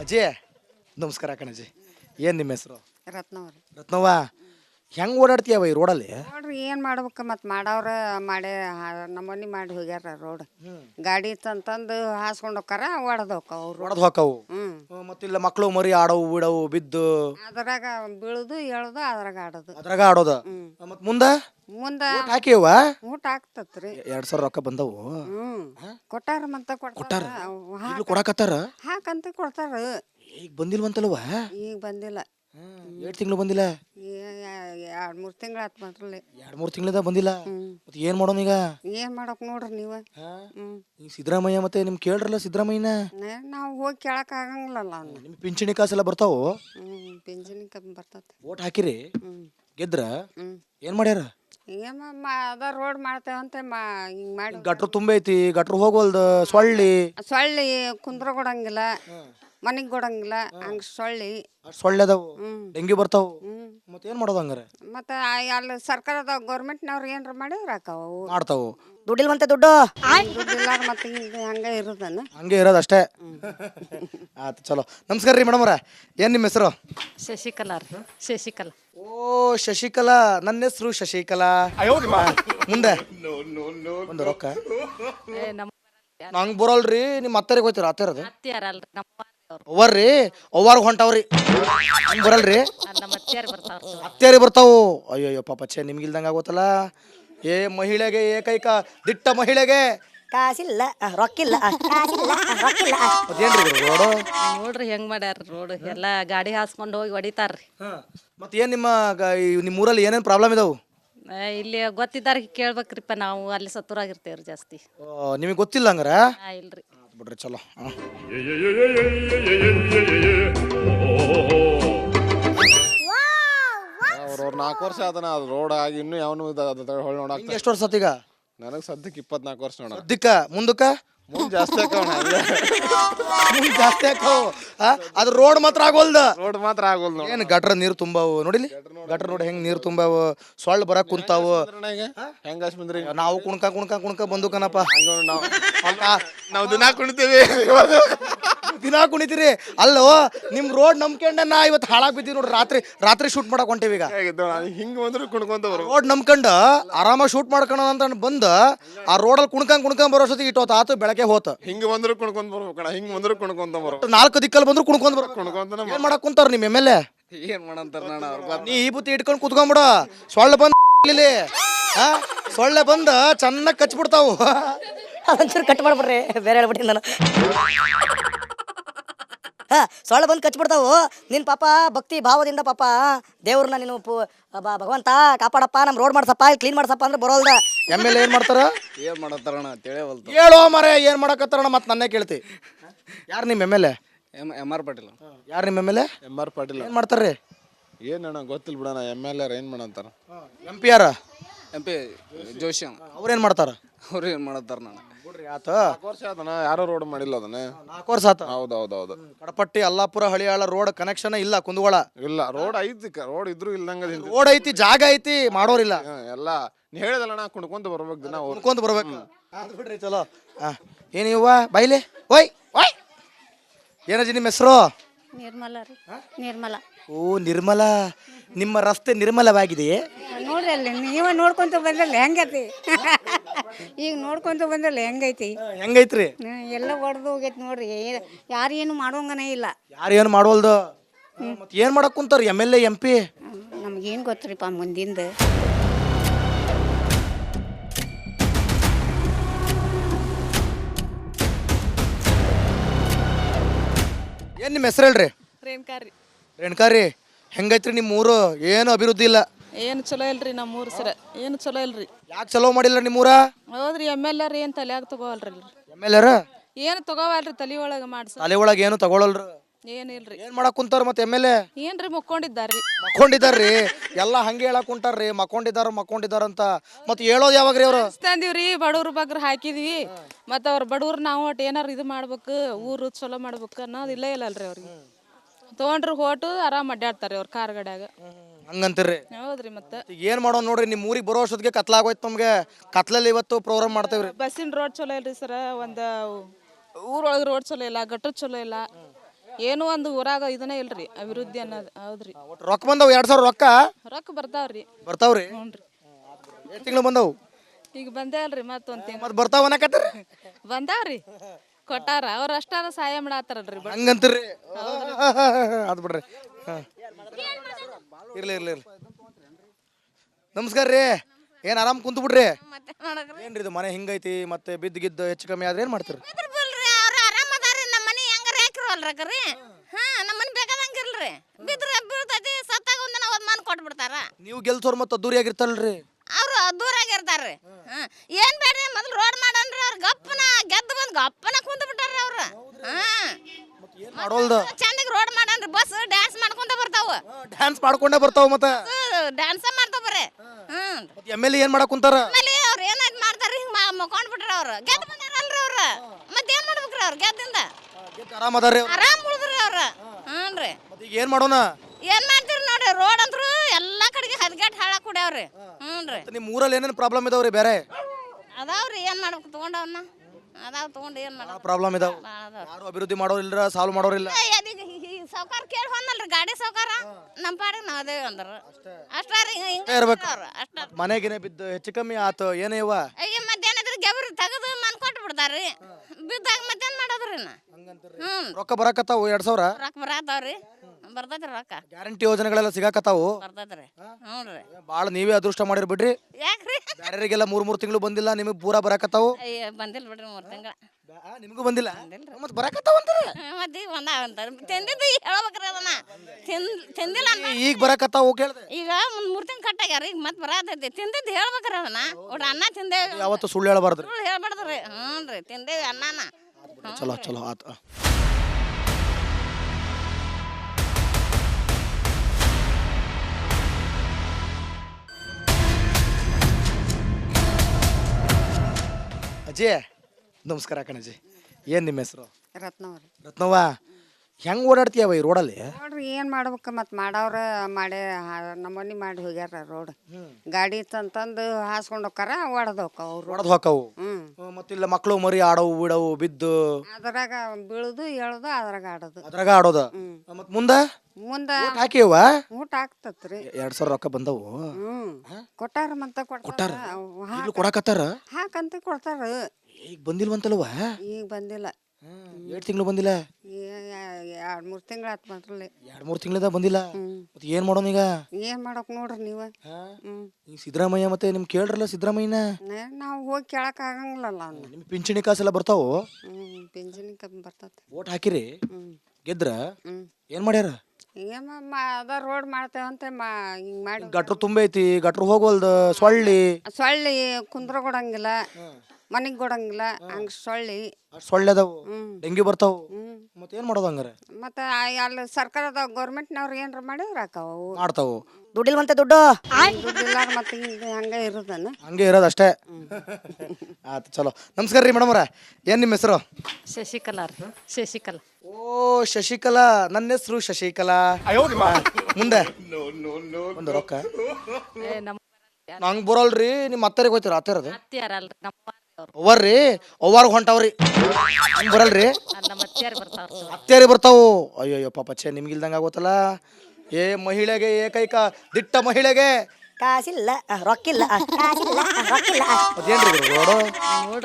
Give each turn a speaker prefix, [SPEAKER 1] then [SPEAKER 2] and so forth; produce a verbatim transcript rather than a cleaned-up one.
[SPEAKER 1] ಅಜಯ್ ನಮಸ್ಕಾರ ಕಣಜಿ. ಏನು ನಿಮ್ಮ ಹೆಸರು?
[SPEAKER 2] ರತ್ನವ್ರಿ.
[SPEAKER 1] ರತ್ನವ್ವ, ಹೆಂಗೆ ಓಡಾಡ್ತೀಯವ ಈ ರೋಡಲ್ಲಿ?
[SPEAKER 2] ನೋಡ್ರಿ ಏನು ಮಾಡ್ಬೇಕು ಮತ್ತು ಮಾಡವ್ರ ಮಾಡೇ ನಮ್ಮನೆ ಮಾಡಿ ಹೋಗ್ಯಾರ ರೋಡ್. ಗಾಡಿ ತಂತಂದು ಹಾಸ್ಕೊಂಡು ಹೋಕ್ಕಾರ ಹೊಡೆದು ಹೋಕ್ಕವ ಅವ್ರು.
[SPEAKER 1] ಹೊಡೆದು ಹೋಕ್ಕವು.
[SPEAKER 2] ಹ್ಞೂ
[SPEAKER 1] ಮತ್ತಿಲ್ಲ ಮಕ್ಕಳು ಮರಿ ಆಡವು ಬಿಡವು ಬಿದ್ದು
[SPEAKER 2] ಅದ್ರಾಗ ಬೀಳುದು ಹೇಳುದು ಅದ್ರಾಗ ಆಡೋದು.
[SPEAKER 1] ಅದ್ರಾಗ ಆಡೋದು. ಮತ್ತು ಮುಂದೆ
[SPEAKER 2] ಮುಂದೆ
[SPEAKER 1] ಹಾಕಿವ
[SPEAKER 2] ಊಟ ಆಗ್ತತ್ರಿ.
[SPEAKER 1] ಎರಡು ಸಾವಿರ ರೊಕ್ಕ ಬಂದವು.
[SPEAKER 2] ಹ್ಞೂ ಕೊಟ್ಟಾರ ಮಂತ ಕೊಟ್ಟಾರ.
[SPEAKER 1] ಈಗಲೂ ಕೊಡಕತ್ತಾರ?
[SPEAKER 2] ಹಾಕಂತ ಕೊಡ್ತಾರ.
[SPEAKER 1] ಈಗ ಬಂದಿಲ್ವಂತಲ್ವ?
[SPEAKER 2] ಈಗ ಬಂದಿಲ್ಲ.
[SPEAKER 1] ಎರಡು ತಿಂಗಳು ಬಂದಿಲ್ಲ?
[SPEAKER 2] ಎರಡು ಮೂರು ತಿಂಗಳು ಆತು ಬಂದ್ರಲ್ಲಿ.
[SPEAKER 1] ಎರಡು ಮೂರು ತಿಂಗಳಿಂದ ಬಂದಿಲ್ಲ. ಮತ್ತೆ ಏನು ಮಾಡೋಣ ಈಗ?
[SPEAKER 2] ಏನು ಮಾಡಕ್ ನೋಡ್ರಿ ನೀವು. ಹ್ಞೂ
[SPEAKER 1] ಈಗ ಸಿದ್ದರಾಮಯ್ಯ ಮತ್ತೆ ನಿಮ್ಗೆ ಕೇಳ್ರಲ್ಲ ಸಿದ್ದರಾಮಯ್ಯನ.
[SPEAKER 2] ನಾವು ಹೋಗಿ ಕೇಳಕ್ ಆಗಂಗಿಲ್ಲಲ್ಲ ಅವ್ನ.
[SPEAKER 1] ನಿಮ್ಗೆ ಪಿಂಚಣಿ ಕಾಸೆಲ್ಲ ಬರ್ತಾವು?
[SPEAKER 2] ಹ್ಞೂ ಪಿಂಚಣಿ ಕಮ್ಮಿ ಬರ್ತೈತಿ.
[SPEAKER 1] ಓಟ್ ಹಾಕಿರಿ?
[SPEAKER 2] ಹ್ಞೂ
[SPEAKER 1] ಗೆದ್ರ?
[SPEAKER 2] ಹ್ಞೂ
[SPEAKER 1] ಏನು ಮಾಡ್ಯಾರ?
[SPEAKER 2] ಏನು ಅದ ರೋಡ್ ಮಾಡ್ತೇವಂತ ಮಾ ಹಿಂಗೆ ಮಾಡಿ
[SPEAKER 1] ಗಟ್ರು ತುಂಬೈತಿ, ಗಟ್ರು ಹೋಗೋಲ್ದು, ಸೊಳ್ಳಿ
[SPEAKER 2] ಸೊಳ್ಳಿ ಕುಂದ್ರ ಕೊಡಂಗಿಲ್ಲ, ಮನೆಗೆ ಕೊಡಂಗಿಲ್ಲ, ಹಂಗೆ ಸೊಳ್ಳಿ
[SPEAKER 1] ಸೊಳ್ಳೆ ಅದಾವು,
[SPEAKER 2] ಹ್ಞೂ
[SPEAKER 1] ಡೆಂಗಿ ಬರ್ತಾವು.
[SPEAKER 2] ಹ್ಞೂ
[SPEAKER 1] ಮತ್ತೆ ಏನು ಮಾಡೋದು ಹಂಗಾರೆ?
[SPEAKER 2] ಮತ್ತು ಅಲ್ಲಿ ಸರ್ಕಾರದ ಗೌರ್ಮೆಂಟ್ನವ್ರು ಏನಾರ ಮಾಡಿದ್ರೆ ಆಕಾವು.
[SPEAKER 1] ಮಾಡ್ತಾವು.
[SPEAKER 3] ದುಡ್ಡಿಲ್ವಂತೆ ದುಡ್ಡು.
[SPEAKER 2] ದುಡ್ಡಿಲ್ಲ ಮತ್ತೆ ಹಿಂಗೆ ಹಂಗೆ ಇರೋದನ್ನ.
[SPEAKER 1] ಹಂಗೆ ಇರೋದು ಅಷ್ಟೇ. ಆಯ್ತು ಚಲೋ. ನಮಸ್ಕಾರ ರೀ ಮೇಡಮ್ರ. ಏನು ನಿಮ್ಮ ಹೆಸರು?
[SPEAKER 4] ಶಶಿಕಲಾ ರೀ. ಶಶಿಕಲಾ.
[SPEAKER 1] ಓ ಶಶಿಕಲಾ, ನನ್ನ ಹೆಸರು ಶಶಿಕಲಾ. ಮುಂದೆ ಒಂದು ರೊಕ್ಕ
[SPEAKER 4] ಏ ನಮ್ಮ
[SPEAKER 1] ನಂಗೆ ಬರೋಲ್ರಿ. ನಿಮ್ಮ ಅತ್ತರಿಗೆ ಹೋಯ್ತೀರ? ಅತ್ತರದು
[SPEAKER 4] ಅತ್ತಿಯಾರಲ್ರಿ ನಮ್ಮ ಅವ್ರು.
[SPEAKER 1] ಅವ್ರಿ ಅವ್ವಾರ್ಗ ಹೊಂಟವ್ರಿ. ಹಂಗೆ ಬರಲ್ರಿ?
[SPEAKER 4] ನಮ್ಮ ಅತ್ತಿಯಾರು ಬರ್ತಾವ್ರಿ.
[SPEAKER 1] ಅತ್ತೇರಿ ಬರ್ತಾವು. ಅಯ್ಯಯ್ಯೋ ಪಾಪ ಛೇ, ನಿಮ್ಗಿಲ್ದಂಗೆ ಆಗೋತಲ್ಲ. ಏ ಮಹಿಳೆಗೆ, ಏಕೈಕ ದಿಟ್ಟ ಮಹಿಳೆಗೆ
[SPEAKER 3] ಕಾಸಿಲ್ಲ ಆ, ರೊಕ್ಕಿಲ್ಲ ಆ, ಕಾಸಿಲ್ಲ ಆ, ರೊಕ್ಕಿಲ್ಲ ಆ.
[SPEAKER 1] ಮತ್ತೇನ್ರಿ ರೋಡು?
[SPEAKER 4] ನೋಡ್ರಿ ಹೆಂಗ್ ಮಾಡ್ಯಾರ ರೋಡ್ ಎಲ್ಲ ಗಾಡಿ ಹಾಸ್ಕೊಂಡು ಹೋಗಿ ಹೊಡಿತಾರ್ರಿ.
[SPEAKER 1] ಮತ್ತೆ ಏನು ನಿಮ್ಮ ಗ- ಈ ನಿಮ್ಮ ಊರಲ್ಲಿ ಏನೇನು ಪ್ರಾಬ್ಲಮ್ ಇದಾವು?
[SPEAKER 4] ಆ, ಇಲ್ಲಿ ಗೊತ್ತಿದ್ದಾರ ಕೇಳ್ಬೇಕ್ರಿಪ್ಪ, ನಾವು ಅಲ್ಲಿ ಸತ್ತೂರಾಗಿರ್ತೇವ್ರಿ ಜಾಸ್ತಿ.
[SPEAKER 1] ನಿಮಗೆ ಗೊತ್ತಿಲ್ಲ ಹಂಗಾರ?
[SPEAKER 4] ಆ, ಇಲ್ರಿ.
[SPEAKER 1] ಬಿಡ್ರಿ ಚಲೋ. ಹಾ.
[SPEAKER 5] ಅವ್ರವ್ರ ನಾಲ್ಕು ವರ್ಷ ಆದನ ಅದು ರೋಡ್ ಆಗಿ ಇನ್ನೂ ಯಾವನು ಹೊಳ್ ನೋಡಾಕ.
[SPEAKER 1] ನಿಂಗೆ ಎಷ್ಟು ವರ್ಷ ಆತೀಗ?
[SPEAKER 5] ನನಗೆ ಸದ್ಯಕ್ಕೆ ಇಪ್ಪತ್ನಾಲ್ಕು ವರ್ಷ ನೋಡ.
[SPEAKER 1] ಸದ್ಯಕ್ಕ ಮುಂದಕ್ಕ
[SPEAKER 5] ಮುಂದೆ ಜಾಸ್ತಿ ಆಕವಣ.
[SPEAKER 1] ಮುಂದ್ ಜಾಸ್ತಿ ಆಕಾವು. ಆ, ಅದು ರೋಡ್ ಮಾತ್ರ ಆಗೋಲ್ದ.
[SPEAKER 5] ರೋಡ್ ಮಾತ್ರ ಆಗೋಲ್ ನೋಡ.
[SPEAKER 1] ಏನು ಗಟ್ರ ನೀರು ತುಂಬಾವು ನೋಡಿಲಿ. ಗಟ್ರ ನೋಡಿ ಹೆಂಗ್ ನೀರು ತುಂಬಾವು, ಸೊಳ್ಳೆ ಬರಕ್ ಕುಂತಾವು.
[SPEAKER 5] ಹೆಂಗ ಬಂದ್ರಿ?
[SPEAKER 1] ನಾವು ಕುಣ್ಕ ಕುಣ್ಕ ಕುಣ್ಕ ಬಂದು ಕಣಪ್ಪ.
[SPEAKER 5] ಹಂಗ ನಾವು ನಾವು ದಿನ ಕುಣಿತೀವಿ.
[SPEAKER 1] ದಿನಾ ಕುಣಿತೀರಿ ಅಲ್ಲೋ? ನಿಮ್ ರೋಡ್ ನಂಬ್ಕೊಂಡ ನಾ ಇವತ್ತು ಹಾಳಾಗ್ ಬಿದ್ದೀವಿ ನೋಡ್ರಿ. ರಾತ್ರಿ ರಾತ್ರಿ ಶೂಟ್ ಮಾಡಕ್ ಹೊಂಟೇವಿ ಈಗ.
[SPEAKER 5] ಹಿಂಗ ಬಂದ್ರು ಕುಣ್ಕೊಂತ ಬರೋ
[SPEAKER 1] ರೋಡ್ ನಂಬ್ಕೊಂಡ ಆರಾಮಾಗಿ ಶೂಟ್ ಮಾಡ್ಕೋಣ ಅಂತ ಬಂದ ಆ ರೋಡಲ್ಲಿ ಕುಣ್ಕೊಂಡ್ ಕುಣ್ಕೊಂಡ್ ಬರೋ ಸತಿ ಇಟ್ಟೋತ್ ಆತು, ಬೆಳಗ್ಗೆ ಹೋತ.
[SPEAKER 5] ಹಿಂಗ ಬಂದ್ರು ಕುಣ್ಕೊಂತ ಬರ್ಬೇಕಣ. ಹಿಂಗ ಬಂದ್ರು ಕುಣ್ಕೊಂತ ಬರೋ.
[SPEAKER 1] ನಾಲ್ಕು ದಿಕ್ಕಲ್ಲಿ ಬಂದ್ರು ಕುಣ್ಕೊಂಡ್ ಬರೋ.
[SPEAKER 5] ಕುಣ್ಕೊಂತ
[SPEAKER 1] ಏನ್ ಮಾಡಕ್ ಕುಂತಾರ ನಿಮ್ ಎಮ್ ಎಲ್ ಎ?
[SPEAKER 5] ಏನ್ ಮಾಡಂತಾರ ನಾನ ಅವ್ರ
[SPEAKER 1] ನೀ ಈ ಬುತ್ತಿ ಇಟ್ಕೊಂಡ್ ಕುತ್ಕೊಂಡ್ಬಿಡ. ಸೊಳ್ಳೆ ಬಂದ್ ಇಲ್ಲಿ ಆ ಸೊಳ್ಳೆ ಬಂದ ಚೆನ್ನಾಗಿ ಕಚ್ಬಿಡ್ತಾವು.
[SPEAKER 3] ಅದೊಂಚೂರು ಕಟ್ ಮಾಡ್ಬಿಡ್ರಿ, ಬೇರೆ ಹೇಳ್ಬಿಟ್ಟಿನಿ ನಾನು. ಹಾ, ಸೊಳ್ಳೆ ಬಂದು ಕಚ್ಬಿಡ್ತಾವು. ನಿನ್ನ ಪಾಪ ಭಕ್ತಿ ಭಾವದಿಂದ ಪಾಪ ದೇವ್ರನ್ನ ನೀನು ಪು ಬ- ಭಗವಂತ ಕಾಪಾಡಪ್ಪ, ನಮ್ಮ ರೋಡ್ ಮಾಡ್ಸಪ್ಪ, ಕ್ಲೀನ್ ಮಾಡ್ಸಪ್ಪ ಅಂದ್ರೆ ಬರೋಲ್ದ.
[SPEAKER 1] ಎಮ್ ಎಲ್ ಎ ಏನ್ ಮಾಡ್ತಾರ?
[SPEAKER 5] ಏನ್ ಮಾಡತ್ತಾರಣ ತಿಳಿಯವಲ್ತು.
[SPEAKER 1] ಹೇಳೋ ಮರೆ ಏನ್ ಮಾಡಕತ್ತಾರಣ? ಮತ್ ನನ್ನೇ ಕೇಳ್ತಿ. ಯಾರು ನಿಮ್ M L A?
[SPEAKER 5] M M R Patil.
[SPEAKER 1] ಯಾರು ನಿಮ್ M L A?
[SPEAKER 5] M R Patil
[SPEAKER 1] ಏನ್ ಮಾಡ್ತಾರ್ರಿ?
[SPEAKER 5] ಏನಣ್ಣ ಗೊತ್ತಿಲ್ಲ ಬಿಡಣ. ಎಮ್ ಎಲ್ ಆರ್ ಏನ್ ಮಾಡಂತಾರ?
[SPEAKER 1] ಎಂ ಪಿ ಯಾರ?
[SPEAKER 5] ಎಂ ಪಿ ಜೋಶಿ
[SPEAKER 1] ಅವ್ರೇನ್ ಮಾಡ್ತಾರ?
[SPEAKER 5] ಅವ್ರು ಏನ್ ಮಾಡತ್ತಾರ ನಾನು
[SPEAKER 1] ಬಿಡ್ರಿ ಆತ.
[SPEAKER 5] ನಾಲ್ಕು ವರ್ಷ ಆದನ ಯಾರೋ ರೋಡ್ ಮಾಡಿಲ್ಲ ಅದನ್ನ.
[SPEAKER 1] ನಾಲ್ಕು ವರ್ಷ ಆತ.
[SPEAKER 5] ಹೌದೌದೌದು.
[SPEAKER 1] ಕಡಪಟ್ಟಿ ಅಲ್ಲಾಪುರ ಹಳಿಯಾಳ ರೋಡ್ ಕನೆಕ್ಷನ್ ಇಲ್ಲ ಕುಂದಗೋಳ.
[SPEAKER 5] ಇಲ್ಲ ರೋಡ್ ಐತಿ, ರೋಡ್ ಇದ್ರು ಇಲ್ದಂಗ
[SPEAKER 1] ರೋಡ್ ಐತಿ, ಜಾಗ ಐತಿ, ಮಾಡೋರಿಲ್ಲ.
[SPEAKER 5] ಎಲ್ಲ ನೀ ಹೇಳಿದಲ್ಲ ನಾ ಕುಣ್ಕೊಂತ ಬರ್ಬೇಕು ದಿನ.
[SPEAKER 1] ಹುಡ್ಕೊಂತ ಬರ್ಬೇಕು. ಬಿಡ್ರಿ ಚಲೋ. ಹಾ, ಏನು ಇವ್ವ ಬೈಲೆ ಓಯ್ ಓಯ್. ಏನಜ್ಜಿ ನಿಮ್ಮ ಹೆಸರು?
[SPEAKER 6] ನಿರ್ಮಲ ರೀ. ನಿರ್ಮಲ.
[SPEAKER 1] ಓ ನಿರ್ಮಲ. ನಿಮ್ಮ ರಸ್ತೆ ನಿರ್ಮಲವಾಗಿದೆಯೇ?
[SPEAKER 6] ನೋಡ್ರಿ ಅಲ್ಲಿ ನೀವ ನೋಡ್ಕೊಂತ ಬಂದ್ರಲ್ಲ ಹೆಂಗೈತಿ. ಈಗ ನೋಡ್ಕೊಂತ ಬಂದ್ರಲ್ಲ ಹೆಂಗೈತಿ.
[SPEAKER 1] ಹೆಂಗೈತ್ರಿ?
[SPEAKER 6] ಹ್ಮ್, ಎಲ್ಲ ಒಡೆದು ಹೋಗೈತಿ ನೋಡ್ರಿ. ಯಾರು ಏನು ಮಾಡೋಂಗನೇ ಇಲ್ಲ.
[SPEAKER 1] ಯಾರು ಏನು ಮಾಡೋಲ್ದು. ಮತ್ತೆ ಏನ್ ಮಾಡಕ್ ಕುಂತಾರ M L A M P?
[SPEAKER 6] ನಮ್ಗೇನು ಗೊತ್ತರಿಪ್ಪ ಮುಂದಿಂದ.
[SPEAKER 1] ಏನ್ ನಿಮ್ಮ ಹೆಸರು ಹೇಳ್ರಿ?
[SPEAKER 7] ರೇಣುಕಾರಿ.
[SPEAKER 1] ರೇಣುಕಾರಿ, ಹೆಂಗೈತ್ರಿ ನಿಮ್ಮ ಊರು? ಏನು ಅಭಿವೃದ್ಧಿ ಇಲ್ಲ.
[SPEAKER 7] ಏನು ಚಲೋ ಇಲ್ರಿ ನಮ್ಮ ಊರು ಸರ. ಏನು ಚಲೋ ಇಲ್ರಿ.
[SPEAKER 1] ಯಾಕೆ ಚಲೋ ಮಾಡಿಲ್ಲ ನಿಮ್ಮೂರ?
[SPEAKER 7] ಹೌದ್ರಿ, ಎಮ್ ಎಲ್ ಆರ್ ಏನು ತಲೆಯಾಗ ತಗೋವಲ್ರಿ.
[SPEAKER 1] ಎಮ್ ಎಲ್ ಎರ
[SPEAKER 7] ಏನು ತಗೋವಲ್ರಿ ತಲೆ ಒಳಗೆ ಮಾಡ್ಸ.
[SPEAKER 1] ತಲೆ ಒಳಗೆ ಏನು ತಗೊಳಲ್ರಿ.
[SPEAKER 7] ಏನಿಲ್ರಿ.
[SPEAKER 1] ಏನ್ ಮಾಡಕ್ ಕುಂತಾರ ಮತ್ತೆ ಎಮ್ ಎಲ್ ಎ?
[SPEAKER 7] ಏನ್ರಿ ಮುಕ್ಕೊಂಡಿದ್ದಾರ್ರಿ.
[SPEAKER 1] ಮಕ್ಕೊಂಡಿದಾರ್ರಿ. ಎಲ್ಲ ಹಂಗೆ ಹೇಳಕ್ ಕುಂಟಾರ್ರಿ, ಮಕ್ಕೊಂಡಿದಾರ ಮಕ್ಕೊಂಡಿದಾರ ಅಂತ. ಮತ್ತೆ ಹೇಳೋದು ಯಾವಾಗ್ರಿ ಅವ್ರು?
[SPEAKER 7] ತಂದಿವ್ರಿ ಬಡವ್ರ ಬಗ್ರ ಹಾಕಿದ್ವಿ. ಮತ್ತು ಅವ್ರ ಬಡವ್ರು ನಾವು ಒಟ್ಟು ಏನಾರು ಇದು ಮಾಡ್ಬೇಕು, ಊರು ಚಲೋ ಮಾಡ್ಬೇಕು ಅನ್ನೋದು ಇಲ್ಲೇ ಇಲ್ಲಲ್ರಿ ಅವ್ರಿಗೆ. ತೊಗೊಂಡ್ರು ಹೋಟು ಆರಾಮ್ ಅಡ್ಡಾಡ್ತಾರೆ ಅವ್ರ ಕಾರ್ ಗಡ್ಯಾಗ.
[SPEAKER 1] ಹಂಗಂತೀರ್ರಿ?
[SPEAKER 7] ಹೌದ್ರಿ. ಮತ್ತೆ
[SPEAKER 1] ಈಗ ಏನ್ ಮಾಡೋಣ ನೋಡ್ರಿ, ನಿಮ್ ಊರಿಗೆ ಬರೋ ಅಷ್ಟೊತ್ತಿಗೆ ಕತ್ಲಾಗೋಯ್ತು ನಮ್ಗೆ. ಕತ್ಲಲ್ಲಿ ಇವತ್ತು ಪ್ರೋಗ್ರಾಮ್ ಮಾಡ್ತೇವ್ರಿ.
[SPEAKER 7] ಬಸ್ಸಿನ ರೋಡ್ ಚಲೋ ಇಲ್ರಿ ಸರ. ಒಂದು ಊರೊಳಗೆ ರೋಡ್ ಚಲೋ ಇಲ್ಲ, ಗಟ್ರ ಚಲೋ ಇಲ್ಲ. ಏನು ಒಂದು ಊರಾಗ ಇದನ್ನ ಇಲ್ರಿ ಅಭಿವೃದ್ಧಿ ಅನ್ನೋದು ಹೌದ್ರಿ.
[SPEAKER 1] ಒಟ್ಟು ರೊಕ್ಕ ಬಂದವು ಎರಡು ಸಾವಿರ ರೊಕ್ಕ
[SPEAKER 7] ರೊಕ್ಕ ಬರ್ತಾವ್ರಿ.
[SPEAKER 1] ಬರ್ತಾವ್ರಿ.
[SPEAKER 7] ಹ್ಞೂ ರೀ.
[SPEAKER 1] ಎಷ್ಟು ತಿಂಗಳು ಬಂದವು?
[SPEAKER 7] ಈಗ ಬಂದೇ ಅಲ್ರಿ ಮತ್ತೊಂದು ತಿಂಗಳು
[SPEAKER 1] ಮತ್ತೆ ಬರ್ತಾವ ಅನ್ನಕತ್ತರ
[SPEAKER 7] ಬಂದಾವ್ರಿ. ಕೊಟ್ಟಾರ ಅವ್ರ ಅಷ್ಟಾರ ಸಹಾಯ ಮಾಡತ್ತಾರಲ್ರಿ.
[SPEAKER 1] ಹಂಗಂತೀರಿ. ಅದು ಬಿಡ್ರಿ. ಹಾಂ ಇರ್ಲಿ ಇರ್ಲಿ ಇರ್ಲಿ. ನಮಸ್ಕಾರ ರೀ. ಏನು ಆರಾಮ್ ಕುಂತು ಬಿಡ್ರಿ. ಏನ್ರಿ ಇದು ಮನೆ ಹಿಂಗೈತಿ ಮತ್ತೆ ಬಿದ್ದು ಗಿದ್ದು ಹೆಚ್ಚು ಕಮ್ಮಿ ಆದ್ರೆ ಏನು ಮಾಡ್ತೀರಿ?
[SPEAKER 8] ಅವ್ರು ಆರಾಮದಾರಿ. ನಮ್ಮ ಮನೆ ಹೆಂಗಾರ ಹಾಕಿರವಲ್ರಿ. ಹಾ ನಮ್ಮ ಮನೆ ಬೇಕಾದಂಗಿಲ್ರಿ. ಬಿದ್ರೆ ಬೀಳ್ತೈತಿ, ಸತ್ತಾಗ ಒಂದಿನ ಒಂದ್ ಮನ್ ಕೊಟ್ಬಿಡ್ತಾರ.
[SPEAKER 1] ನೀವು ಗೆಲ್ಸೋರ್ ಮತ್ತೆ ಅದ್ದೂರಿ ಆಗಿರ್ತಲ್ರಿ.
[SPEAKER 8] ಅವ್ರು ದೂರಾಗಿರ್ತಾರ್ರಿ. ಹಾ ಏನ್ ಬೇಡ್ರಿ ಮೊದಲು ರೋಡ್ ಮಾಡನ್ರಿ. ಅವ್ರ ಗಪ್ಪನ ಗೆದ್ದು ಬಂದ್ ಗಪ್ಪನ ಕುಂತ ಬಿಟ್ಟಾರ್ರಿ ಅವ್ರ. ಹಾ
[SPEAKER 1] ಮಾಡೋಲ್ದ
[SPEAKER 8] ಚಂದಗೆ ರೋಡ್ ಮಾಡನ್ರಿ. ಬಸ್ ಡ್ಯಾನ್ಸ್ ಮಾಡ್ಕೊಂತ ಬರ್ತಾವ.
[SPEAKER 1] ಡ್ಯಾನ್ಸ್ ಮಾಡ್ಕೊಂಡೇ ಬರ್ತಾವ ಮತ್ತೆ
[SPEAKER 8] ಡ್ಯಾನ್ಸ ಮಾಡ್ತಾವ ಬರ್ರಿ. ಹ್ಮ್
[SPEAKER 1] ಎಮ್ ಎಲ್ ಎ ಏನ್ ಮಾಡಕ್ ಕುಂತಾರ?
[SPEAKER 8] ಆಮೇಲೆ ಅವ್ರ ಏನಾಯ್ತು ಮಾಡ್ತಾರ ಹಿಂಗ್ ಮಕ್ಕೊಂಡ್ ಬಿಟ್ರ ಅವ್ರು. ಗೆದ್ದು ಬಂದಾರಲ್ರಿ ಅವ್ರ. ಮತ್ತೇನ್ ಮಾಡ್ಬೇಕ್ರಿ ಅವ್ರ ಗೆದ್ದಿಂದ?
[SPEAKER 1] ಆರಾಮ್ ಅದಾರಿ.
[SPEAKER 8] ಆರಾಮ್ ಉಳಿದ್ರಿ ಅವ್ರ. ಹ್ಞೂನ್ರಿ.
[SPEAKER 1] ಈಗ ಏನ್ ಮಾಡೋಣ?
[SPEAKER 8] ಏನ್ ಮಾಡ್ತೀರಿ ನೋಡ್ರಿ, ರೋಡ್ ಅಂತ್ರು ಎಲ್ಲಾ ಕಡೆಗೆ ಹದಗೆಟ್ ಹಾಳಾಕ್ ಕುಡ್ಯಾವ್ರಿ. ಹ್ಞೂನ್ರಿ.
[SPEAKER 1] ನಿಮ್ ಊರಲ್ಲಿ ಏನೇನ್ ಪ್ರಾಬ್ಲಮ್ ಇದಾವ್ರಿ? ಬೇರೆ
[SPEAKER 8] ಅದಾವ್ರಿ. ಏನ್ ಮಾಡ್ಬೇಕು ತಗೊಂಡವನ್ನ ಅದಾವ್ ತಗೊಂಡು ಏನ್ ಮಾಡ
[SPEAKER 1] ಪ್ರಾಬ್ಲಮ್ ಇದಾವ. ಯಾರು ಅಭಿವೃದ್ಧಿ ಮಾಡೋರಿಲ್ಲ, ಸಾಲ್ವ್ ಮಾಡೋರಿಲ್ಲ.
[SPEAKER 8] ಸಾವ್ಕಾರ ಕೇಳಿ ಹೊಂದಲ್ರಿ ಗಾಡಿ ಸಾವ್ಕಾರ. ನಮ್ಮ ಪಾಡಿಗೆ ನಾವ್ ಅದೇವಿ ಅಂದ್ರ ಅಷ್ಟಾರಿ. ಹಿಂಗ
[SPEAKER 1] ಇರ್ಬೇಕು.
[SPEAKER 8] ಅಷ್ಟ
[SPEAKER 1] ಮನೆಗಿನೇ ಬಿದ್ದು ಹೆಚ್ಚು ಕಮ್ಮಿ ಆತು ಏನೇವ?
[SPEAKER 8] ಅಯ್ಯ ಮತ್ತೇನಾದ್ರೂ ಗೆಬರಿ ತೆಗೆದು ಮನ್ ಕೊಟ್ಟು ಬಿಡ್ತಾರ್ರಿ. ಬಿದ್ದಾಗ ಮತ್ತೇನ್ ಮಾಡೋದ್ರಿ ನಾ? ಹ್ಮ್
[SPEAKER 1] ರೊಕ್ಕ ಬರಾಕತ್ತಾವು ಎರಡ್ ಸಾವಿರ.
[SPEAKER 8] ರೊಕ್ಕ ಬರತಾವ್ರಿ. ಬರ್ತೈತ್ರಿ ರೊಕ್ಕ.
[SPEAKER 1] ಗ್ಯಾರಂಟಿ ಯೋಜನೆಗಳೆಲ್ಲ ಸಿಗಾಕತ್ತಾವು.
[SPEAKER 8] ಬರ್ತೈತ್ರಿ. ಹ್ಞೂನ್ರಿ.
[SPEAKER 1] ಬಾಳ ನೀವೇ ಅದೃಷ್ಟ ಮಾಡಿರ್ ಬಿಡ್ರಿ.
[SPEAKER 8] ಯಾಕ್ರಿ?
[SPEAKER 1] ಬೇರೆಯವರಿಗೆಲ್ಲ ಮೂರ್ ಮೂರ್ ತಿಂಗಳು ಬಂದಿಲ್ಲ, ನಿಮಗ್ ಪೂರಾ ಬರಾಕತ್ತಾವು.
[SPEAKER 8] ಅಯ್ಯ ಬಂದಿಲ್ಲ ಬಿಡ್ರಿ ಮೂರ್ ತಿಂಗಳ.
[SPEAKER 1] ನಿಮಗೂ ಬಂದಿಲ್ಲ ಮತ್ತೆ ಬರಾಕತ್ತಾವ ಅಂತಾರ.
[SPEAKER 8] ಮತ್ತೆ ಈಗ ಬಂದಾವಂತ ತಿಂದಿದ್ದು ಹೇಳ್ಬೇಕ್ರಿ ಅದನ್ನ. ತಿಂದ್ ತಿಂದಿಲ್ಲ ಅನ್ನ
[SPEAKER 1] ಈಗ ಬರಾಕತ್ತಾವು ಕೇಳ್ದೆ.
[SPEAKER 8] ಈಗ ಒಂದ್ ಮೂರ್ ತಿಂಗ್ ಕಟ್ಟಾಗ್ಯಾರ. ಈಗ ಮತ್ತೆ ಬರತೈತಿ. ತಿಂದಿದ್ದು ಹೇಳ್ಬೇಕ್ರಿ ಅದನ್ನ. ಒಟ್ಟು ಅನ್ನ ತಿಂದೇವಿ.
[SPEAKER 1] ಯಾವತ್ತು ಸುಳ್ಳು ಹೇಳಬಾರ್ದ್ರಿ.
[SPEAKER 8] ಸುಳ್ಳು ಹೇಳ್ಬಾರ್ದ್ರಿ. ಹ್ಞೂನ್ರಿ ತಿಂದೇವಿ ಅನ್ನನ.
[SPEAKER 1] ಚಲೋ ಚಲೋ ಆತ. ಅಜ್ಜಿ ನಮಸ್ಕಾರ ಕಣಜ್ಜಿ. ಏನ್ ನಿಮ್ಮ ಹೆಸರು?
[SPEAKER 2] ರತ್ನವ್ರಿ.
[SPEAKER 1] ರತ್ನವ್ವ, ಹೆಂಗ್ ಓಡಾಡ್ತೀಯವ ಈ ರೋಡಲ್ಲಿ?
[SPEAKER 2] ನೋಡ್ರಿ ಏನ್ ಮಾಡ್ಬೇಕು ಮತ್ತೆ ಮಾಡವ್ರ ಮಾಡೇ ನಮ್ಮ ಮನೆ ಮಾಡಿ ಹೋಗ್ಯಾರ ರೋಡ್. ಗಾಡಿ ತಂತಂದು ಹಾಸ್ಕೊಂಡು ಹೋಕಾರ ಒಡೆದು ಹೋಕಾವ ಅವ್ರು.
[SPEAKER 1] ಹೊಡೆದು ಹಾಕವು.
[SPEAKER 2] ಹ್ಮ್
[SPEAKER 1] ಮತ್ತಿಲ್ಲ ಮಕ್ಕಳು ಮರಿ ಆಡವು ಬಿಡವು ಬಿದ್ದು
[SPEAKER 2] ಅದ್ರಾಗ ಬೀಳುದು ಹೇಳುದು ಅದ್ರಾಗ ಆಡೋದು.
[SPEAKER 1] ಅದ್ರಾಗ ಆಡೋದ. ಮತ್ ಮುಂದ
[SPEAKER 2] ಮುಂದ
[SPEAKER 1] ಹಾಕಿವ
[SPEAKER 2] ಊಟ ಆಗ್ತತ್ರಿ.
[SPEAKER 1] ಎರಡ್ ಸಾವಿರ ರೊಕ್ಕ ಬಂದವು.
[SPEAKER 2] ಹ್ಮ್ ಕೊಟ್ಟಾರ ಮತ್ತ ಕೊಟ್ಟಾರ.
[SPEAKER 1] ಈಗ್ಲೂ ಕೊಡಾಕತ್ತಾರ?
[SPEAKER 2] ಹಾಕಂತ ಕೊಡ್ತಾರ.
[SPEAKER 1] ಈಗ ಬಂದಿಲ್ವಂತಲ್ವ?
[SPEAKER 2] ಈಗ ಬಂದಿಲ್ಲ.
[SPEAKER 1] ಎರಡ್ ತಿಂಗಳು ಬಂದಿಲ್ಲ.
[SPEAKER 2] ಎರಡ್ ಮೂರ್ ತಿಂಗಳ ಆತ್ ಬಂದ್ರಲ್ಲಿ.
[SPEAKER 1] ಎರಡ್ ಮೂರ್ ತಿಂಗಳದ ಬಂದಿಲ್ಲ. ಮತ್ತೆ ಏನ್ ಮಾಡೋಣ ಈಗ?
[SPEAKER 2] ಏನ್ ಮಾಡಕ್ ನೋಡ್ರಿ ನೀವ. ಹ್ಮ್
[SPEAKER 1] ಈಗ ಸಿದ್ದರಾಮಯ್ಯ ಮತ್ತೆ ನಿಮ್ ಕೇಳ್ರಲ್ಲ ಸಿದ್ದರಾಮಯ್ಯನ.
[SPEAKER 2] ನಾವ್ ಹೋಗಿ ಕೇಳಕ್ ಆಗಂಗಿಲ್ಲಲ್ಲ ಅವ್ನ.
[SPEAKER 1] ನಿಮ್ ಪಿಂಚಣಿ ಕಾಸೆಲ್ಲ ಬರ್ತಾವು.
[SPEAKER 2] ಹ್ಮ್ ಪಿಂಚಣಿ ಕಮ್ಮಿ ಬರ್ತೈತಿ.
[SPEAKER 1] ಓಟ್ ಹಾಕಿರಿ
[SPEAKER 2] ಹ್ಮ್
[SPEAKER 1] ಗೆದ್ರ
[SPEAKER 2] ಹ್ಮ್
[SPEAKER 1] ಏನ್ ಮಾಡ್ಯಾರ?
[SPEAKER 2] ಏನ ಅದ ರೋಡ್ ಮಾಡ್ತೇವಂತ ಮಾ ಹಿಂಗ್ ಮಾಡಿ
[SPEAKER 1] ಗಟ್ರು ತುಂಬೈತಿ, ಗಟ್ರು ಹೋಗೋಲ್ದ, ಸೊಳ್ಳಿ
[SPEAKER 2] ಸೊಳ್ಳಿ ಕುಂದ್ರ ಕೊಡಂಗಿಲ್ಲ, ಮನಿಗ್ ಕೊಡಂಗಿಲ್ಲ. ಹಂಗ ಸೊಳ್ಳಿ
[SPEAKER 1] ಸೊಳ್ಳೆ ಅದಾವು,
[SPEAKER 2] ಹ್ಮ್
[SPEAKER 1] ಡೆಂಗ್ಯೂ ಬರ್ತಾವು.
[SPEAKER 2] ಹ್ಮ್
[SPEAKER 1] ಮತ್ತೆ ಏನ್ ಮಾಡೋದು ಹಂಗಾರೆ?
[SPEAKER 2] ಮತ್ತ ಅಲ್ಲಿ ಸರ್ಕಾರದ ಗೌರ್ಮೆಂಟ್ನವ್ರು ಏನ್ರ ಮಾಡಿದ್ರ ಅಕ್ಕಾವು
[SPEAKER 1] ಮಾಡ್ತಾವು.
[SPEAKER 3] ದುಡ್ಡಿಲ್ವಂತೆ ದುಡ್ಡು.
[SPEAKER 2] ದುಡ್ಡು ಇಲ್ಲಾರ ಮತ್ತೆ ಹಿಂಗ ಹಂಗ ಇರೋದನ್ನ.
[SPEAKER 1] ಹಂಗೆ ಇರೋದು ಅಷ್ಟೇ. ಆಯ್ತು ಚಲೋ. ನಮಸ್ಕಾರ ರೀ ಮೇಡಮ್ರ. ಏನ್ ನಿಮ್ಮ ಹೆಸರು?
[SPEAKER 4] ಶಶಿಕಲಾ ರೀ. ಶಶಿಕಲಾ.
[SPEAKER 1] ಓ ಶಶಿಕಲಾ. ನನ್ನ ಹೆಸರು ಶಶಿಕಲಾ. ಮುಂದೆ ಒಂದು ರೊಕ್ಕ
[SPEAKER 4] ಏ ನಮ್ಮ
[SPEAKER 1] ನಂಗೆ ಬರೋಲ್ರಿ. ನಿಮ್ಮ ಅತ್ತರಿಗೆ ಹೋಯ್ತಿರ? ಅತ್ತಿರದು
[SPEAKER 4] ಅತ್ತಿಯಾರಲ್ರಿ ನಮ್ಮ ಅವ್ರು.
[SPEAKER 1] ಅವ್ರಿ ಅವ್ವಾರ್ಗ ಹೊಂಟಾವ್ರಿ. ಹಂಗೆ ಬರಲ್ರಿ.
[SPEAKER 4] ನಮ್ಮ ಅತ್ತಿಯಾರು ಬರ್ತಾವ್ರಿ.
[SPEAKER 1] ಅತ್ತೇರಿ ಬರ್ತಾವು. ಅಯ್ಯಯ್ಯೋ ಪಾಪ ಛೇ, ನಿಮ್ಗಿಲ್ದಂಗೆ ಆಗೋತಲ್ಲ. ಏ ಮಹಿಳೆಗೆ, ಏಕೈಕ ದಿಟ್ಟ ಮಹಿಳೆಗೆ
[SPEAKER 3] ಕಾಸಿಲ್ಲ, ರೊಕ್ಕಿಲ್ಲ, ಕಾಸಿಲ್ಲ, ರೊಕ್ಕಿಲ್ಲ.
[SPEAKER 1] ಅದೇನ್ರಿ ರೋಡು?